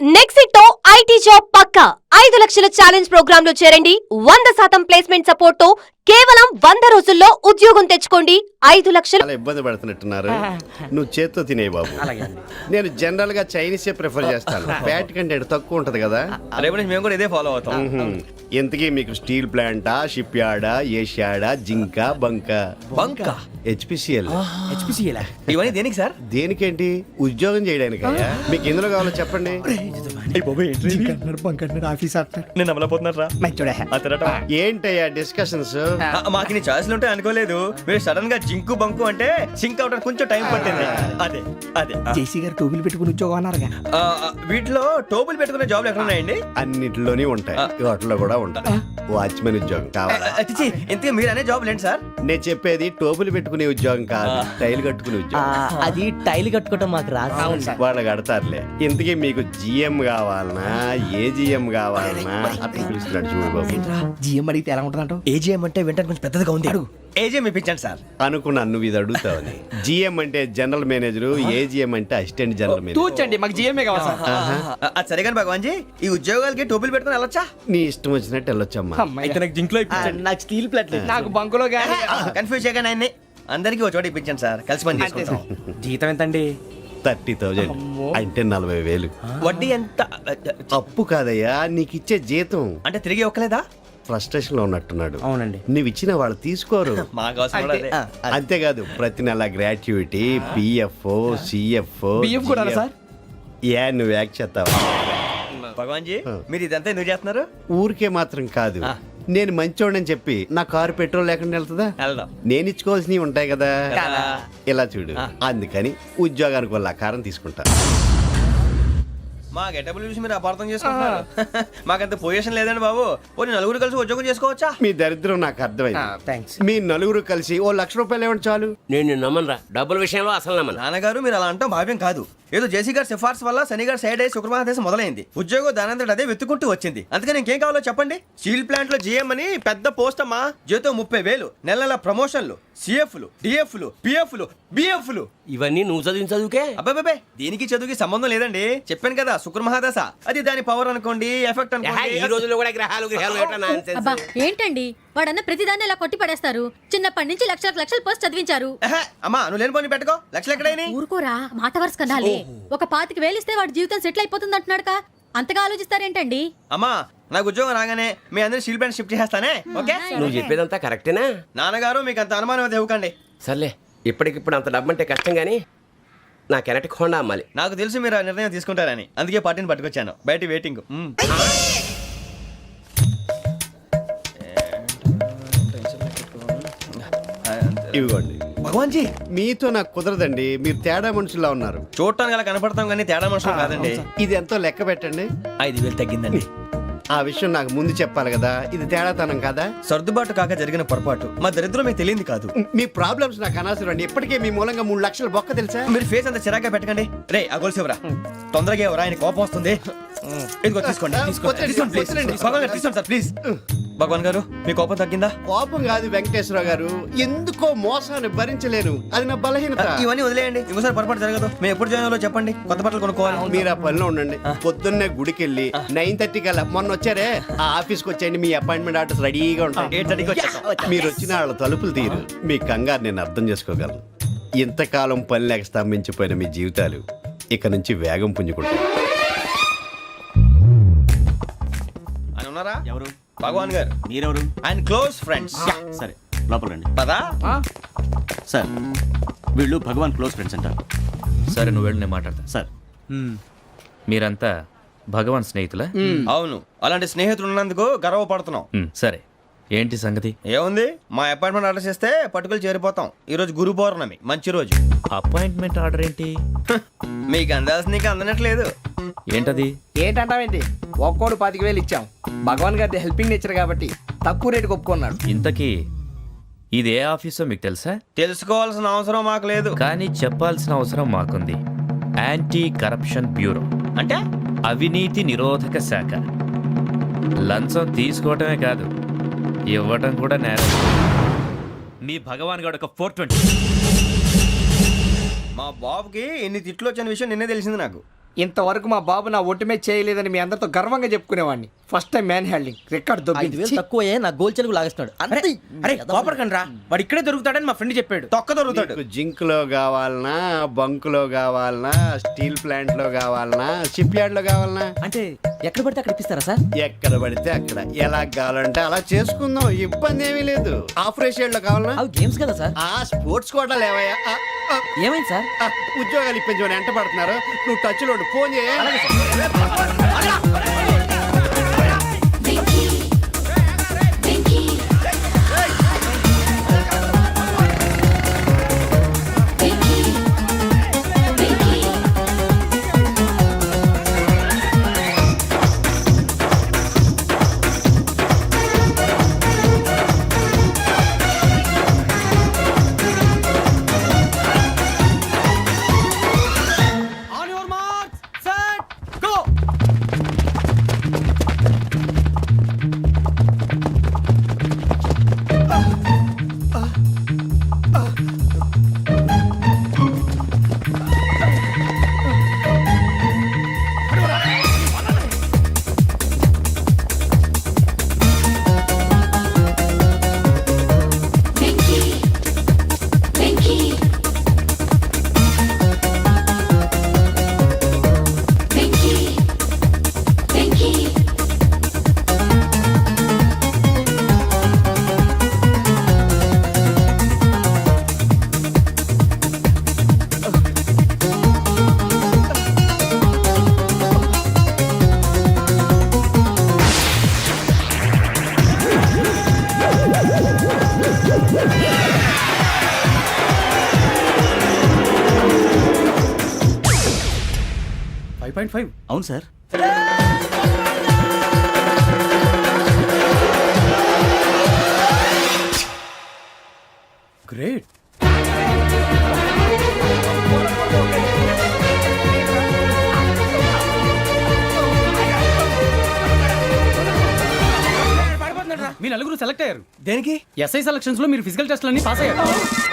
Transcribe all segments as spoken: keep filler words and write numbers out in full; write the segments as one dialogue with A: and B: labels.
A: నెక్సిట్తో IT job పక్కా ఐదు లక్షల challenge programme లో చేరండి. వంద శాతం ప్లేస్మెంట్ సపోర్ట్ తో కేవలం వంద రోజుల్లో ఉద్యోగం తెచ్చుకోండి. ఐదు లక్షలు.
B: చాలా ఇబ్బంది పడుతున్నట్టున్నారు. నువ్వు చేత్తో తినే బాబు. నేను జనరల్ గా చైనీస్ ప్రిఫర్ చేస్తాను. ఫ్యాట్ కంటెంట్ తక్కువ ఉంటది కదా.
C: రేపు మేము కూడా ఇదే ఫాలో అవుతాం.
B: ఇంతకీ మీకు స్టీల్ ప్లాంటా, షిప్ యార్డా, ఏషియాడా, జింక, బంక
C: బంక
B: హెచ్పిసిఎల్
C: హెచ్పిసిఎల్ ఇవన్నీ దేనికి సార్?
B: దేనికేంటి? ఉద్యోగం చేయడానికి. మీకు ఎందులో కావాలో చెప్పండి.
C: నేను అమలపోతున్నారా?
B: ఏంటయ్యా డిస్కషన్స్?
C: మాకు నీ ఛాయిస్లు ఉంటాయి అనుకోలేదు. మీరు సడన్ గా జింకు బంకు అంటే సింక్ అవడానికి కొంచెం టైం పట్టింది. అదే అదే
D: జేసీ గారు టోబుల్ పెట్టుకుని ఉద్యోగం అన్నారుగా.
C: వీటిలో టోబుల్ పెట్టుకునే జాబ్లు ఎక్కడ ఉన్నాయండి?
B: అన్నిటిలోనే ఉంటాయి, వాటిలో కూడా ఉంటాయి. వాచ్మెన్ ఉద్యోగం కావాలా?
C: ఇంతకీ మీరు అనే జాబ్ ఏంటి సార్?
B: నేను చెప్పేది టోపులు పెట్టుకునే ఉద్యోగం కాదు, టైల్ కట్టుకునే ఉద్యోగం.
D: అది టైల్ కట్టుకోవటం మాకు రాదు.
B: వాళ్ళు కడతారులే. ఇంతకీ మీకు జిఎం కావాలనా, ఏ జిఎం కావాలనా? అట్లా పిలుస్తున్నాడు చూడు బాబు.
D: జిఎం అడిగితే ఎలా ఉంటుందంట?
C: ఏజీఎం అంటే వెంటనే కొంచెం పెద్దదిగా ఉంది. అడుగు. ఏజీఎం ఇప్పించండి సార్.
B: అనుకున్నాను నువ్వు ఇది అడుగుతావని. జిఎం అంటే జనరల్ మేనేజర్, ఏజీఎం అంటే అసిస్టెంట్ జనరల్ మేనేజర్.
D: తూచండి, మాకు జిఎంఏ కావాలి సార్.
C: అది సరే కానీ భగవాన్ జీ, ఈ ఉద్యోగాలకి టోపులు పెట్టుకుని వెళ్ళొచ్చా?
B: నీ ఇష్టం వచ్చినట్టు వెళ్ళొచ్చమ్మా.
D: అయితే నాకు జింక్ లో నాకు స్టీల్ ప్లేట్, నాకు బంకులో గానీ.
C: కన్ఫ్యూజ్ చేయగానే ఆయన్ని అందరికీ ఒక చోట ఇప్పించండి సార్, కలిసి పని చేసుకుంటాం.
D: జీతం ఎంతండి?
B: థర్టీ థౌజండ్ అంటే నలభై వేలు.
C: వడ్డీ ఎంత?
B: అప్పు కాదయ్యా, నీకు ఇచ్చే జీతం.
C: అంటే తిరిగి ఒక్కలేదా?
B: ఫ్రస్ట్రేషన్ లో ఉన్నట్టున్నాడు.
D: అవునండి.
B: నువ్వు ఇచ్చిన వాళ్ళు తీసుకోరు.
C: మాకు అవసరం కూడా అదే.
B: అంతేకాదు ప్రతి నెల గ్రాట్యుటీ, పిఎఫ్, సిఎఫ్.
D: బిఎఫ్ కూడా సార్?
B: ఏ నువ్వు యాక్ట్ చేస్తావా?
C: భగవాన్ జీ, మీరు ఇదంతా ఎందుకు చేస్తున్నారు?
B: ఊరికే మాత్రం కాదు, నేను మంచోడని చెప్పి నా కారు పెట్రోల్ లేకుండా వెళ్తుందా?
C: వెళ్దాం.
B: నేను ఇచ్చుకోవాల్సినవి ఉంటాయి కదా. ఇలా చూడు, అందుకని ఉద్యోగానికి వాళ్ళ ఆకారం తీసుకుంటా.
C: మా గెటబుల్ చూసి మీరు అపార్థం చేసుకుంటున్నారు. మాకంత పొజిషన్ లేదండి బాబు. పోనీ నలుగురు కలిసి ఉద్యోగం చేసుకోవచ్చా?
B: మీ దరిద్రం నాకు అర్థమైంది. మీ నలుగురు కలిసి ఓ లక్ష రూపాయలు ఇవ్వండి చాలు.
E: నేను నమ్మనరా, డబ్బుల విషయంలో అసలు నమ్మను.
C: నాన్నగారు మీరు అలా అంటాం భావ్యం కాదు. ఏదో జేసీ గారి సిఫార్సు వల్ల శని గారు సైడ్ అయ్యి శుక్రవారం దేశం మొదలైంది. ఉద్యోగం దానంతటి అదే వెతుకుంటూ వచ్చింది. అందుకని ఇంకేం కావాలో చెప్పండి. స్టీల్ ప్లాంట్ లో జిఎం అని పెద్ద పోస్ట్ అమ్మా. జీతం ముప్పై వేలు, నెల నెల ప్రమోషన్లు, సిఎఫ్లు, డిఎఫ్లు, పిఎఫ్లు, బిఎఫ్లు.
E: ఇవన్నీ నువ్వు చదివిన చదువుకే.
C: అబ్బాబే, దీనికి చదువుకి సంబంధం లేదండి. చెప్పాను కదా, శుక్ర మహాదశ. అది దాని పవర్ అనుకోండి, ఎఫెక్ట్ అనుకోండి.
E: ఈ రోజుల్లో కూడా గ్రహాలు గ్రహాలు
F: అబ్బా ఏంటండి వాడన్న ప్రతిదాన్ని ఇలా కొట్టి పడేస్తారు. చిన్నప్పటి నుంచి లక్షలకు లక్షలు పోస్ట్ చదివించారు.
C: అమ్మా నువ్వు లేని పోనీ పెట్టుకో. లక్షలు ఎక్కడైనా
F: ఊరుకోరా, మాట వరుస కదాలే. ఒక పాతికి వేలిస్తే వాడి జీవితం సెటిల్ అయిపోతుంది అంటున్నాడుగా. అంతగా ఆలోచిస్తారేంటండి?
C: అమ్మా నాకు ఉద్యోగం రాగానే మీ అందరూ స్టీల్ ప్లాంట్ షిఫ్ట్ చేస్తానే. ఓకే,
E: నువ్వు చెప్పేదంతా కరెక్టేనా?
C: నాన్నగారు మీకు అంత అనుమానం అయితే ఇవ్వకండి.
E: సర్లే, ఇప్పటికిప్పుడు అంత డబ్బు అంటే కష్టం గానీ నా కెనటిక్ హోండా అమ్మాలి.
C: నాకు తెలుసు మీరు ఆ నిర్ణయం తీసుకుంటారని, అందుకే పార్టీని పట్టుకొచ్చాను. బయట వెయిటింగ్.
B: ఇవ్వండి.
C: భగవాన్ జీ,
B: మీతో నాకు కుదరదండి. మీరు తేడా మనుషుల్లా ఉన్నారు.
C: చూడటానికి అలా కనపడతాం కానీ తేడా మనుషులు కాదండి.
B: ఇది ఎంతో లెక్క పెట్టండి.
C: ఐదు వేలు తగ్గిందండి.
B: ఆ విషయం నాకు ముందు చెప్పాలి కదా. ఇది తేడాతనం కదా.
C: సర్దుబాటు కాక జరిగిన పొరపాటు. మా దరిద్రం మీకు తెలియంది కాదు.
B: మీ ప్రాబ్లమ్స్ నాకు అనవసరం అండి. ఇప్పటికే మీ మూలంగా మూడు లక్షల బొక్క తెలుసా.
C: మీరు ఫేస్ అంత చిరాగ్గా పెట్టకండి. రే ఆ గొలుసేవరా, తొందరగా ఎవరా, ఆయన కోపం వస్తుంది. ఇదిగో తీసుకోండి, తీసుకోండి, తీసుకోండి ప్లీజ్. భగవాన్ గారు తీసుకోండి సార్ ప్లీజ్. భగవాన్ గారు మీ కోపం తగ్గిందా?
B: కోపం కాదు వెంకటేశ్వర గారు, ఎందుకో మోసాన్ని భరించలేను. అది నా బలహీనత.
C: ఇవన్నీ వదిలేయండి, ఇంకోసారి పొరపాటు జరగదు. మేము ఎప్పుడు జాయిన్ అవ్వాలో చెప్పండి, కొత్త బట్టలు కొనుక్కోవాలి.
B: మీరు ఆ పనిలో ఉండండి. పొద్దున్నే గుడికి వెళ్ళి నైన్ థర్టీ కల్లా, మొన్న వచ్చారే ఆ ఆఫీస్కి వచ్చేయండి. మీ అపాయింట్మెంట్ ఆర్డర్స్ రెడీగా ఉంటాయి.
C: ఎయిట్ థర్టీకి వచ్చేస్తాం.
B: మీరు వచ్చిన వాళ్ళ తలుపులు తీరు. మీ కంగారు నేను అర్థం చేసుకోగలను. ఇంతకాలం పని లేక స్తంభించిపోయిన మీ జీవితాలు ఇక నుంచి వేగం పుంజుకుంటాయి.
C: ఆయన ఉన్నారా?
G: ఎవరు?
C: భగవాన్ గారు.
G: మీరెవరు?
C: ఆయన క్లోజ్ ఫ్రెండ్స్.
G: సరే లోపల రండి.
C: పదా
G: సార్, వీళ్ళు భగవాన్ క్లోజ్ ఫ్రెండ్స్ అంటారు.
H: సరే నువ్వు వెళ్ళి నేను మాట్లాడతా.
G: సార్,
H: మీరంతా భగవాన్ స్నేహితులా?
C: అవును, అలాంటి స్నేహితులు ఉన్నందుకు గర్వపడుతున్నాం.
H: మ్, సరే ఏంటి సంగతి?
C: ఏముంది, మా అపాయింట్మెంట్ ఆర్డర్ చేస్తే పట్టుకులు చేరిపోతాం. ఈ రోజు గురు పౌర్ణమి, మంచి రోజు.
H: అపాయింట్మెంట్ ఆర్డర్ ఏంటి?
C: మీకు అందాల్సిన నీకు అందనట్లేదు.
H: ఏంటది?
D: ఏంటంటావేంటి? ఒక్కోడు పాతిక వేలు ఇచ్చాం. భగవాన్ గారి హెల్పింగ్ నేచర్ కాబట్టి తక్కువ రేటుకి ఒప్పుకున్నాడు.
H: ఇంతకీ ఇది ఏ ఆఫీసో మీకు తెలుసా?
C: తెలుసుకోవాల్సిన అవసరం మాకు లేదు,
H: కానీ చెప్పాల్సిన అవసరం మాకుంది. యాంటీ కరప్షన్ బ్యూరో
C: అంటే
H: అవినీతి నిరోధక శాఖ. లంచం తీసుకోవటమే కాదు, ఇవ్వటం కూడా నేరం. మీ భగవాన్ గారు ఒక ఫోర్ ట్వంటీ.
C: మా బాబుకి ఎన్ని తిట్లు వచ్చిన విషయం నిన్నే తెలిసింది నాకు.
D: ఇంతవరకు మా బాబు నా ఒట్టుమే చేయలేదని మీ అందరితో గర్వంగా చెప్పుకునేవాడిని. First time man handing record
I: ఐదు
D: దొబ్బింది.
I: వేలు తక్కువ నా గోల్ చెలుగు లాగేస్తున్నాడు అంతే.
C: అరే కోపడకండి రా, వాడు ఇక్కడే దొరుకుతాడని మా ఫ్రెండ్ చెప్పాడు. తొక్క దొరుకుతాడు.
B: మీకు జింక్ లో కావాలనా, బంక్ లో కావాలనా, స్టీల్ ప్లాంట్ లో కావాలనా, షిప్ యార్డ్ లో కావాలనా,
I: అంటే ఎక్కడ పడితే అక్కడ ఇప్పిస్తారా సార్?
B: ఎక్కడ పడితే అక్కడ ఎలా కావాలంటే అలా చేసుకుందాం, ఇబ్బంది ఏమీ లేదు. ఆపరేషన్ లో కావాలనా,
I: అవి గేమ్స్ కదా సార్?
B: ఆ స్పోర్ట్స్ కోటా లేవయ్యా. ఆ, ఆ,
I: ఏమైంది సార్?
B: ఆ, ఉద్యోగాలు ఇప్పించమని ఎంట పడుతున్నారు. నువ్వు టచ్ లో ఉండు, ఫోన్ చేయ.
G: ఫైవ్ పాయింట్ ఫైవ్ అవును సార్.
C: గ్రేట్.
G: మీ నలుగురు సెలెక్ట్ అయ్యారు.
C: దేనికి?
G: ఎస్ఐ సెలక్షన్స్ లో మీరు ఫిజికల్ టెస్ట్ అన్ని పాస్ అయ్యారు.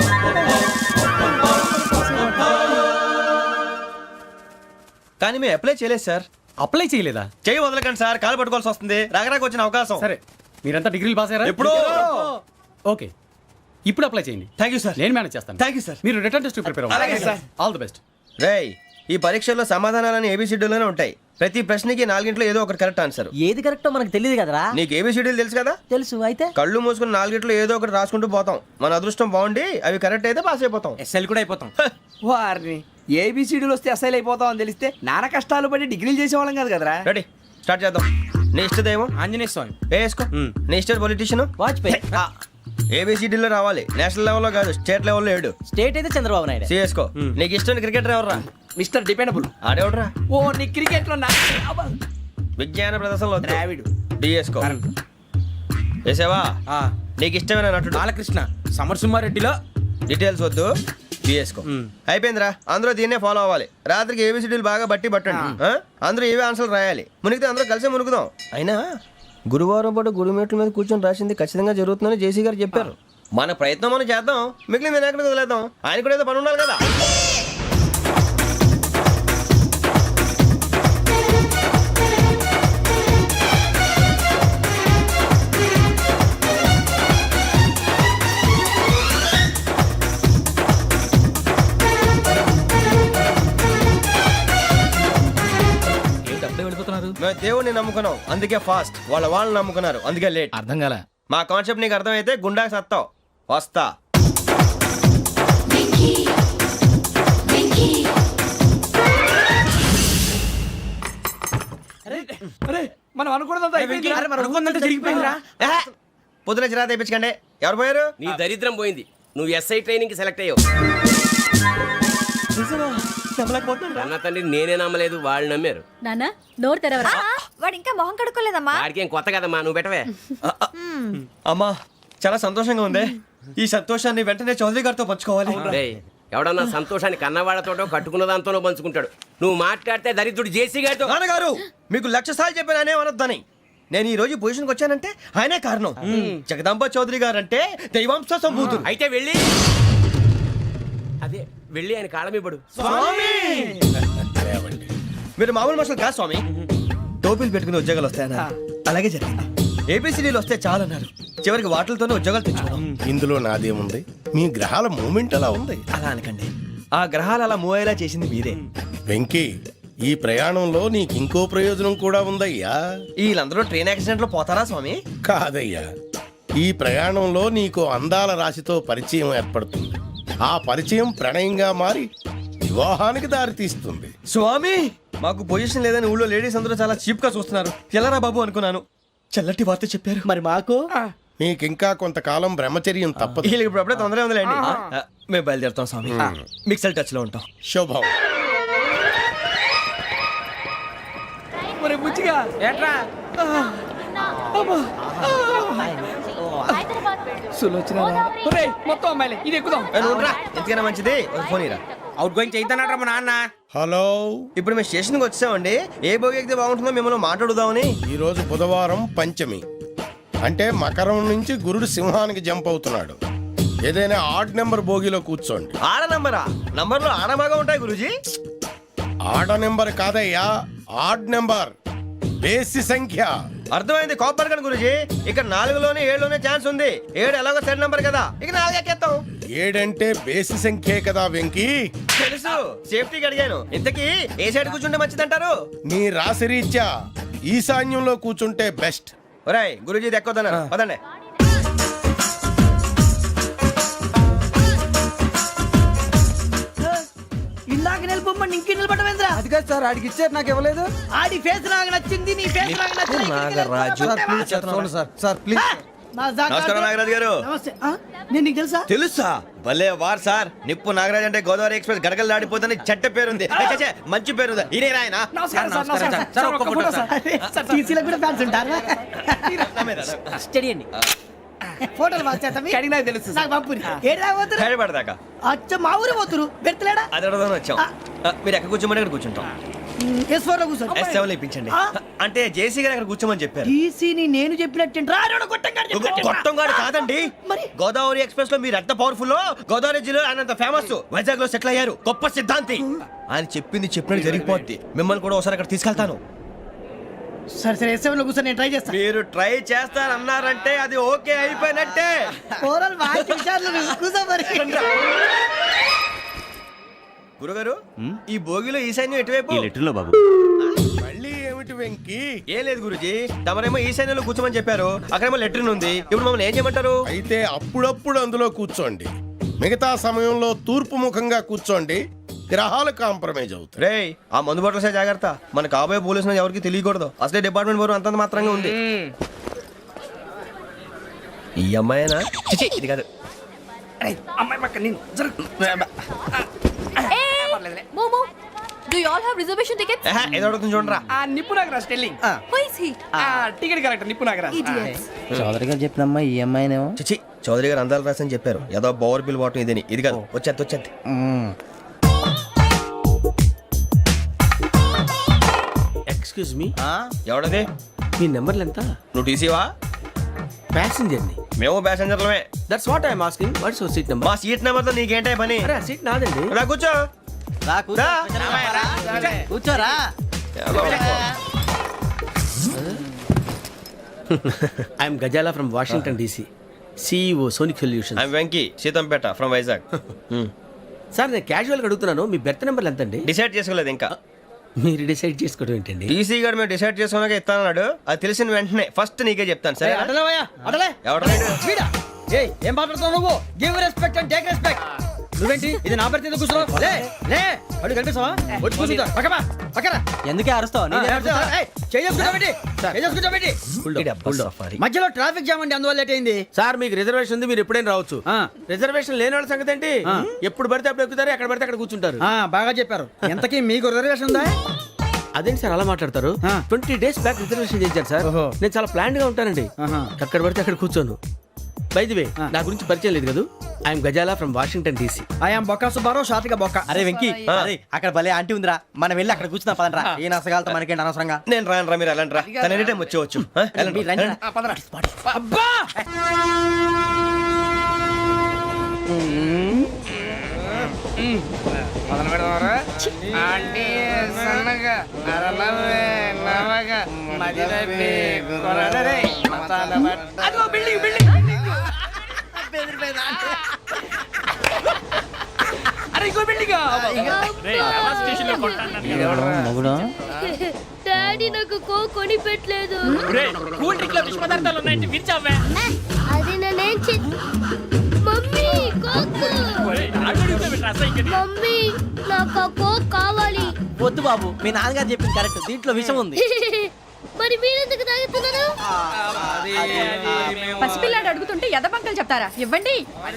C: కానీ మేము అప్లై చేయలేదు సార్.
G: అప్లై చేయలేదా?
C: చేయి వదలకండి సార్, కాలు పట్టుకోవాల్సి వస్తుంది. రాగరాకు వచ్చిన అవకాశం.
G: సరే, మీరంతా డిగ్రీలు పాస్ అయ్యారా?
C: ఎప్పుడో.
G: ఓకే, ఇప్పుడు అప్లై చేయండి.
C: Thank you sir.
G: నేను మేనేజ్ చేస్తాను.
C: Thank you sir.
G: మీరు రిటర్న్ టెస్ట్ ప్రిపేర్
C: అలాగే
G: అవ్వండి.
C: సార్.
G: All the best.
C: రేయ్, ఈ పరీక్షల్లో సమాధానాలని ఏబిసిడ్యూల్లోనే ఉంటాయి. ప్రతి ప్రశ్నకి నాలుగింట్లో ఏదో ఒకటి కరెక్ట్ ఆన్సర్.
I: ఏది కరెక్టో మనకు తెలియదు కదరా.
C: నీకు ఏబిసిడ్యూల్ తెలుసు కదా?
I: తెలుసు. అయితే
C: కళ్ళు మూసుకుని నాలుగింట్లో ఏదో ఒకటి రాసుకుంటూ పోతాం. మన అదృష్టం బాగుండి అవి కరెక్ట్ అయితే పాస్ అయిపోతాం.
D: ఎస్ఎల్ కూడా అయిపోతాం. వారిని ఏబిసిడీలు వస్తే ఎస్ఐలు అయిపోతాం అని తెలిస్తే నాన్న కష్టాలు పడి డిగ్రీలు చేసేవాళ్ళం కాదు కదరా.
C: రెడీ, స్టార్ట్ చేద్దాం. నీ ఇష్టదేమో
D: ఆంజనేయ స్వామి.
C: వేసుకో. నీ ఇష్ట పొలిటీషియన్
I: వాజ్పేయి.
C: ఏబిసిడీలో రావాలి. నేషనల్ లెవెల్లో కాదు, స్టేట్ లెవెల్లో ఏడు.
I: స్టేట్ అయితే చంద్రబాబు నాయుడు.
C: సిఎస్కో. నీకు ఇష్టం క్రికెటర్ ఎవర్రా?
D: Mister dependable.
C: ఆడేవడరా?
D: ఓ నీ క్రికెట్ లో నా
C: విజ్ఞాన ప్రదర్శనలో
D: ద్రావిడు.
C: డిఎస్కో. వేసావా? నీకు ఇష్టమైన నటుడు?
D: బాలకృష్ణ. సమర్ సుమారెడ్డిలో
C: డీటెయిల్స్ వద్దు, బిఎస్కో. అయిపోయిందిరా. అందరూ దీన్నే ఫాలో అవ్వాలి. రాత్రికి ఏబిసిడీలు బాగా బట్టి పట్టండి. ఆ? అందరూ ఏవే ఆన్సర్లు రాయాలి. మునిగితే అందరూ కలిసి మునుగుదాం. అయినా గురువారం పాటు గురుమేట్ల మీద కూర్చొని రాసింది ఖచ్చితంగా జరుగుతుందని జేసీ గారు చెప్పారు. మన ప్రయత్నం మనం చేద్దాం, మిగిలిన నేను ఎక్కడికి వదిలేద్దాం. ఆయన కూడా ఏదో పని ఉండాలి కదా. మేము దేవుడిని నమ్ముకున్నాం, అందుకే ఫాస్ట్. వాళ్ళ వాళ్ళని నమ్ముకున్నారు, అందుకే లేట్.
G: అర్థం కాల.
C: మా కాన్సెప్ట్ నీకు అర్థమైతే గుండాకి సత్తావు. వస్తా.
D: మనం అనుకున్నదంతా జరిగిపోయిందిరా.
C: ఏహే, పొద్దున చిరా తెప్పించకండి. ఎవరు పోయారు?
E: నీ దరిద్రం పోయింది. నువ్వు ఎస్ఐ ట్రైనింగ్ సెలెక్ట్ అయ్యావు. అన్న తండ్రి నేనే నమ్మలేదు, వాళ్ళు నమ్మారు.
F: నాన్న నోరు తెరవరా.
J: వాడు ఇంకా మొహం కడుక్కోలేదమ్మా.
E: వాడికి ఏం కొత్త కదమ్మా, నువ్వు పెట్టవే.
C: అమ్మా, చాలా సంతోషంగా ఉంది. ఈ సంతోషాన్ని వెంటనే చౌదరి గారితో పంచుకోవాలి.
E: రేయ్, ఎవడన్నా సంతోషాన్ని కన్నవాళ్లతోటో కట్టుకున్న దాంతోనో పంచుకుంటాడు. నువ్వు మాట్లాడితే దరిద్రుడు జేసీ గారితో.
C: నాన్నగారు, మీకు లక్ష సార్లు చెప్పానే అనొద్దని. నేను ఈ రోజు పొజిషన్కి వచ్చానంటే ఆయనే కారణం. జగదాంబ చౌదరి గారు అంటే దైవాంశ సంభూతుడు.
E: అయితే వెళ్ళి అదే వెళ్ళి ఆయన కాళ్ళమివ్వడు.
C: మీరు మామూలు మనుషులు కాదు స్వామి. టోపీలు పెట్టుకుని ఉద్యోగాలు వస్తాయన్నారు, అలాగే జరిగింది. ఏబిసిడీలు వస్తే చాలన్నారు, చివరికి వాటిలతోనే ఉద్యోగాలు తెచ్చుకున్నాం.
K: ఇందులో నాదేముంది, మీ గ్రహాల మూమెంట్ అలా ఉంది.
C: అలా అనకండి, ఆ గ్రహాలు అలా మూవ్ అయ్యేలా చేసింది మీరే.
K: వెంకీ, ఈ ప్రయాణంలో నీకు ఇంకో ప్రయోజనం కూడా ఉందయ్యా.
C: వీళ్ళందరూ ట్రైన్ యాక్సిడెంట్ లో పోతారా స్వామి?
K: కాదయ్యా, ఈ ప్రయాణంలో నీకు అందాల రాశితో పరిచయం ఏర్పడుతుంది. ఆ పరిచయం ప్రణయంగా మారి వివాహానికి దారితీస్తుంది.
C: స్వామి, మాకు పొజిషన్ లేదని ఊళ్ళో లేడీస్ అందరూ చాలా చీప్ గా చూస్తున్నారు. ఎలారా బాబు అనుకున్నాను, చల్లటి వార్త చెప్పారు.
I: మరి మాకు
K: నీకింకా కొంతకాలం బ్రహ్మచర్యం తప్పదు.
C: వీళ్ళకి ఇప్పుడు అప్పుడే తొందరగా ఉందిలేండి. ఆ, మేము బయలుదేరుతాం స్వామి, మిక్సెల్ టచ్ లో ఉంటాం.
K: శుభం.
D: మరి బుచ్చిగా ఏట్రా సులోచన మొత్తం అమ్మాయిలే, ఇది ఎక్కుదాం.
C: ఏ, నువ్వు రా, ఎందుకైనా మంచిది ఒక ఫోన్ ఇరా.
D: అవుట్ గోయింగ్ చేద్దానట్రా మా నాన్న.
K: హలో,
C: ఇప్పుడు మేము స్టేషన్కి వచ్చామండి. ఏ బోగి ఎక్కితే బాగుంటుందో మిమ్మల్ని మాట్లాడుదామని.
K: ఈరోజు బుధవారం పంచమి, అంటే మకరం నుంచి గురుడు సింహానికి జంప్ అవుతున్నాడు. ఏదైనా ఆడ్ నెంబర్ బోగిలో కూర్చోండి.
C: ఆడ నంబరా? నంబర్లో ఆడ బాగా ఉంటాయి గురూజీ.
K: ఆడ నెంబర్ కాదయ్యా, ఆడ్ నెంబర్, బేసి సంఖ్య.
C: అర్థమైంది, కాపర్ కానీ గురూజీ. ఇక్కడ నాలుగులోనే ఏడులోనే ఛాన్స్ ఉంది. ఏడు ఎలాగో సెడ్ నంబర్ కదా, ఇక నాలుగు ఎక్కేస్తాం.
K: ఏడంటే బేసి సంఖ్యే కదా వెంకీ.
C: తెలుసు, సేఫ్టీకి అడిగాను. ఇంతకీ ఏ సైడ్ కూర్చుంటే మంచిదంటారు?
K: నీ రాశి రీత్యా ఈశాన్యంలో కూర్చుంటే బెస్ట్.
C: ఒరాయ్, గురూజీ దెక్కొద్దన్నారు, పదండి.
I: ఇందాక నిలబొమ్మని ఇంకే నిలబడమేంద్రా?
D: అది కాదు సార్, ఆడికి ఇచ్చారు, నాకు ఇవ్వలేదు.
I: ఆడి ఫేస్ నాకు నచ్చింది, నీ ఫేస్ నాకు నచ్చింది.
C: నాగరాజు.
D: Sir sir please.
C: నమస్కారం నాగరాజు గారు.
I: నమస్తే. ఆ, నేను నీకు తెలుసా?
C: తెలుసా? భలే వార్ సార్. నిప్పు నాగరాజ్ అంటే గోదావరి ఎక్స్ప్రెస్ గడగలు దాడిపోతుంది చెట్ట పేరుంది. ఛే, ఛే, మంచి పేరుంది. ఇదే ఆయన.
I: నమస్కారం సార్, నమస్కారం సార్. ఒక్క ఫోటో సార్. సార్ టీసీలో కూడా ఫ్యాన్స్ ఉంటారా? స్టడీ అండి. ఫోటోలు మార్చేస్తాం.
D: కడిగి నాకు తెలుసు సార్.
I: నాకు పంపుని. ఏడా పోతురు?
C: హైదరాబాద్
I: అచ్చ మా ఊరు పోతురు. పెడతలేడా?
C: అది అడగదామని వచ్చాం. ఆ, మీరు ఎక్కడ కూర్చోమని అక్కడ కూర్చుంటాం.
I: ఎస్ ఫోర్ లో కూర్చోండి.
C: ఎస్ సెవెన్ ఇప్పించండి. అంటే జేసీ గారు అక్కడ కూర్చోమని చెప్పారు.
I: టీసీని నేను చెప్పినట్టు
C: గొట్టం గారు కాదండి,
I: మరి
C: గోదావరి ఎక్స్ప్రెస్ లో మీరు ఎంత పవర్ఫుల్, గోదావరి జిల్లా ఆయన ఫేమస్, వైజాగ్ లో సెటిల్ అయ్యారు, గొప్ప సిద్ధాంతి. ఆయన చెప్పింది చెప్పినట్టు జరిగిపోద్ది. మిమ్మల్ని కూడా ఒకసారి అక్కడ తీసుకెళ్తాను.
I: సరే సరే ఎస్ సెవెన్ లో కూర్చొని నేను ట్రై చేస్తాను.
C: మీరు ట్రై చేస్తారన్నారంటే అది ఓకే అయిపోయినట్టే.
I: ఓవరాల్ బాగా చూశారు. కూర్చో మరి.
C: గురుగారు, ఈ భోగిలో ఈశాన్యం ఎటువైపు?
G: ఈ లెటర్లో బాబు.
K: మళ్ళీ ఏమిటి వెంకీ?
C: ఏం లేదు గురుజీ, తమరేమో ఈశాన్యంలో కూర్చోమని చెప్పారు, అక్కడేమో లెట్రిన్ ఉంది. ఇప్పుడు మమ్మల్ని ఏం చేయమంటారు?
K: అయితే అప్పుడప్పుడు అందులో కూర్చోండి, మిగతా సమయంలో తూర్పు ముఖంగా కూర్చోండి. గ్రహాలు కాంప్రమైజ్ అవుతాయి.
C: రే, ఆ మందు బట్టలసే జాగ్రత్త. మన కాబోయే పోలీసులు ఎవరికి తెలియకూడదు. అసలే డిపార్ట్మెంట్ బోరు అంతంత మాత్రంగా ఉంది. ఈ అమ్మాయినా? చిచి, ఇది కాదు.
D: అమ్మాయి పక్క నేను
J: మోమో, do you all have reservation tickets?
C: ఏహే, ఏదో అడుగుతుంది చూడరా.
D: ఆ నిప్పు Nagaraj telling.
J: Who is he?
D: ఆ టికెట్ కలెక్టర్ నిప్పు నాగరాజ్.
J: Idiots.
I: చౌదరి గారు చెప్పినమ్మా ఈ అమ్మాయినేమో.
C: చిచి, చౌదరి గారు అందాలు రాసని చెప్పారు. ఏదో బోర్ బిల్ వాటం ఇదని. ఇది కాదు, వచ్చేది వచ్చేది.
E: Excuse me,
C: ఎవడది?
E: మీ నెంబర్లు ఎంత?
C: నువ్వు టీసీవా?
E: ప్యాసింజర్ ని.
C: మేము ప్యాసెంజర్లమే.
E: That's what I'm asking. What's your seat number?
C: మా సీట్ నెంబర్తో నీకేంటే పని?
E: అరే ఆ సీట్ నాదండి.
C: రా కూర్చో. రా.
I: కూర్చోరా.
E: I'm Gazala from Washington DC, CEO Sonic Solution.
C: I'm Venky, Seethampeta from Vizag.
E: Sir నేను క్యాజువల్గా అడుగుతున్నాను, మీ బెర్త్ నెంబర్లు ఎంత అండి?
C: డిసైడ్ చేసుకోలేదు ఇంకా.
E: మీరు డిసైడ్ చేసుకోవడం ఏంటండి?
C: టీసీ గారు మేము డిసైడ్ చేసుకున్నాక ఇస్తానన్నాడు. అది తెలిసిన వెంటనే ఫస్ట్ నీకే చెప్తాను. సరే?
I: అడలేవయ్యా, అడలే.
C: ఎవడ
I: ఏయ్, ఏం మాట్లాడుతున్నావు నువ్వు? Give respect and take respect. నువ్వేంటి ఇది నా పరిస్థితి కూర్చున్నావు? లే లే, అడుగు కనిపిస్తావా? వచ్చి కూర్చుంటా. పక్కమా పక్కన.
D: ఎందుకే అరుస్తావు?
I: మధ్యలో ట్రాఫిక్ జామ్ అండి, అందువల్ల లేట్ అయింది.
E: సార్ మీకు రిజర్వేషన్ ఉంది, మీరు ఎప్పుడైనా రావచ్చు. రిజర్వేషన్ లేని వాళ్ళ సంగతి ఏంటి? ఎప్పుడు పడితే అప్పుడు ఎక్కుతారు, ఎక్కడ పడితే అక్కడ కూర్చుంటారు.
I: ఆ, బాగా చెప్పారు. ఎంతకీ మీకు రిజర్వేషన్ ఉందా?
E: అదేంటి సార్ అలా మాట్లాడతారు? ట్వంటీ డేస్ బ్యాక్ రిజర్వేషన్ చేశారు సార్. నేను చాలా ప్లాన్డ్ గా ఉంటానండి, అక్కడ పడితే అక్కడ కూర్చోను. బై ది వే, నా గురించి పరిచయం లేదు కదా, I'm Gazala from Washington DC.
I: I'm బొక్క సుబ్బారావు, షాతిక బొక్క.
D: అరే వెంకీ, అరే అక్కడ భలే ఆంటీ ఉందిరా, మనం వెళ్ళి అక్కడ కూర్చున్నా పదనరా. ఏ నసగాలతో మనకేంటి అనవసరంగా.
C: నేను రాను రా, మీరు వెళ్ళండి రా. తన ఎనీ టైం వచ్చేవచ్చు. ఆ, వెళ్ళండి, వెళ్ళండి.
I: అబ్బా,
D: మొదలు పెడదామరా ఆంటీ సన్నగా నరనవ్వే నవగా మది రవ్వే కొరడరే మతాల బట్ట అదిగో బిల్డింగ్ బిల్డింగ్ అరే ఇంకో బిల్డింగ్
J: డాడీ నాకు కో కొని పెట్టలేదు.
E: కూల్ డ్రింక్ లో విష పదార్థాలు ఉన్నాయంటే విరిచావే.
J: అది నేనేం చే మమ్మీ కోక్ మమ్మీ నాకు ఆ కోక్ కావాలి.
I: వద్దు బాబు, మీ నాన్నగారు చెప్పింది కరెక్ట్, దీంట్లో విషయం ఉంది.
J: మరి మీరెందుకు తాగుతున్నారు?
F: పసిపిల్లాడు అడుగుతుంటే ఎదబంకలు చెప్తారా? ఇవ్వండి.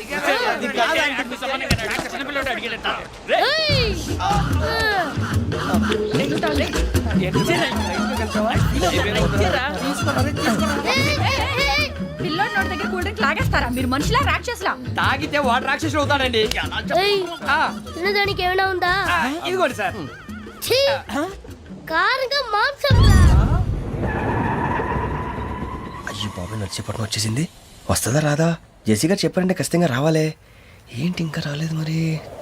J: ఏయ్!
F: పిల్లోడి నోటి దగ్గర కూల్ డ్రింక్ లాగేస్తారా? మీరు మనుషులా రాక్షసులా?
D: తాగితే వాటర్ రాక్షసులు అవుతాడండి.
J: ఏయ్!
D: ఆ,
J: తినడానికి ఏమైనా ఉందా?
D: ఆ, ఇదిగోండి సార్.
J: ఛీ! కారంగా మాంసం రా.
C: అయ్యి బాబాయ్ నడిచేపట్నం వచ్చేసింది. వస్తుందా రాదా? జేసీ గారు చెప్పారంటే ఖచ్చితంగా రావాలే. ఏంటి ఇంకా రాలేదు మరి?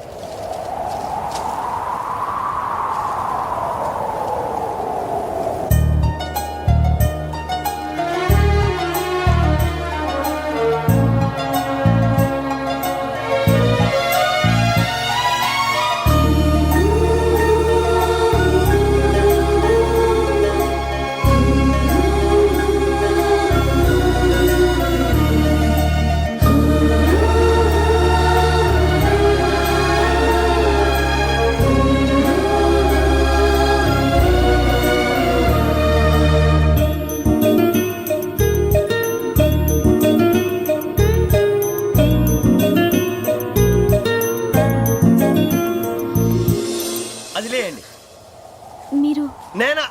C: అది లేయండి.
J: మీరు
C: నేనా?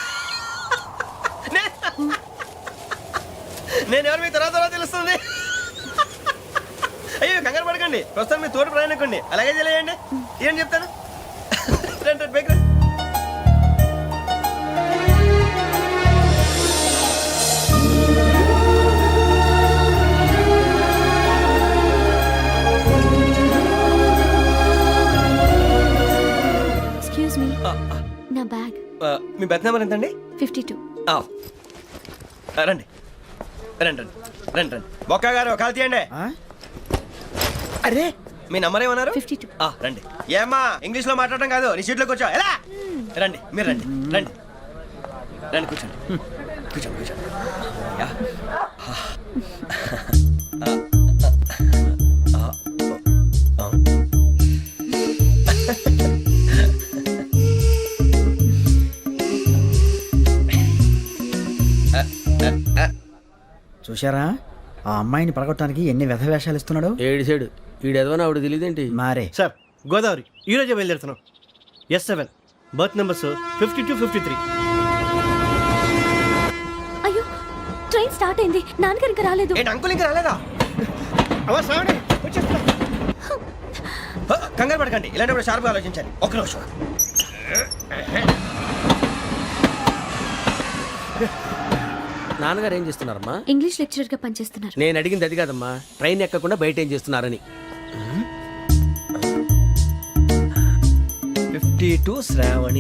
C: నేను ఎవరు మీ తర్వాత తర్వాత తెలుస్తుంది. అయ్యో కంగారు పడకండి, ప్రస్తుతం మీ తోటి ప్రయాణకండి. అలాగే తెలియండి. ఏం చెప్తాను. రండి రండి బైక్ రండి.
J: ఎక్స్క్యూజ్ మీ, నా బ్యాగ్.
C: ఆ, మీ బెత్ నెంబర్ ఎంతండి?
J: Fifty two.
C: ఆ, రండి రండి రండి రండి రండి బొక్క గారు కాల్ తీయండి. అరే మీ నంబర్ ఏమన్నారు?
J: Fifty two.
C: ఆ, రండి. ఏమ్మా ఇంగ్లీష్ లో మాట్లాడడం కాదు, నీ సీట్లో కూర్చో. ఎలా రండి, మీరు రండి రండి రండి కూర్చోండి కూర్చోండి కూర్చోండి. యా. ఆ, ఆ, ఆ, ఆ.
I: చూశారా ఆ అమ్మాయిని పడగొట్టడానికి ఎన్ని వ్యధ వేషాలు ఇస్తున్నాడు.
E: ఏడు సైడు ఈడు ఎదవని ఆవిడ తెలియదేంటి.
I: మారే
L: సార్ గోదావరి ఈరోజే బయలుదేరుతున్నాం. S seven berth numbers fifty two fifty three.
J: అయ్యో ట్రైన్ స్టార్ట్ అయింది, నాన్నగారు ఇంకా రాలేదు.
C: ఏంటి అంకుల్ ఇంకా రాలేదా?
L: అవ్వ శ్రావణి వచ్చేస్తున్నా.
C: హ, కంగారు పడకండి, ఇలాంటప్పుడు షార్ప్గా ఆలోచించాలి. ఒక్క నిమిషం.
E: నాన్నగారు ఏం చేస్తున్నారమ్మా?
J: ఇంగ్లీష్ లెక్చరర్ గా పనిచేస్తున్నారు.
E: నేను అడిగింది అది కాదమ్మా, ట్రైన్ ఎక్కకుండా బయట ఏం చేస్తున్నారని.
C: Fifty two Shravani,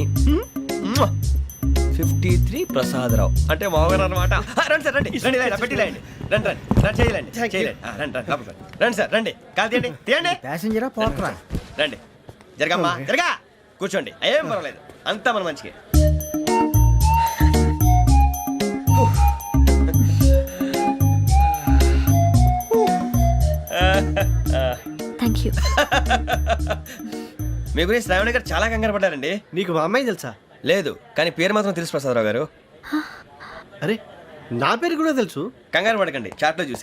C: fifty three Prasadarao అంటే మామగారు అనమాట. రండి సార్ రండి రండి రండి పెట్టి రండి రండి రండి రండి చేయలేండి చేయలేండి. ఆ, రండి రండి లోపలికి రండి. రండి సార్ రండి, కాల్ తీయండి తీయండి.
I: ప్యాసింజరా పోట్రా.
C: రండి జరగమ్మా జరగా కూర్చోండి, ఏం పర్వాలేదు, అంతా మన మంచిగా.
J: Thank you.
C: మీ గురించి శ్రావణి గారు చాలా కంగారు పడ్డారండి.
L: నీకు మా అమ్మాయి తెలుసా?
C: లేదు, కానీ పేరు మాత్రం తెలుసు ప్రసాదరావు గారు.
L: అరే నా పేరు కూడా తెలుసు.
C: కంగారు పడకండి, చాట్లో చూసి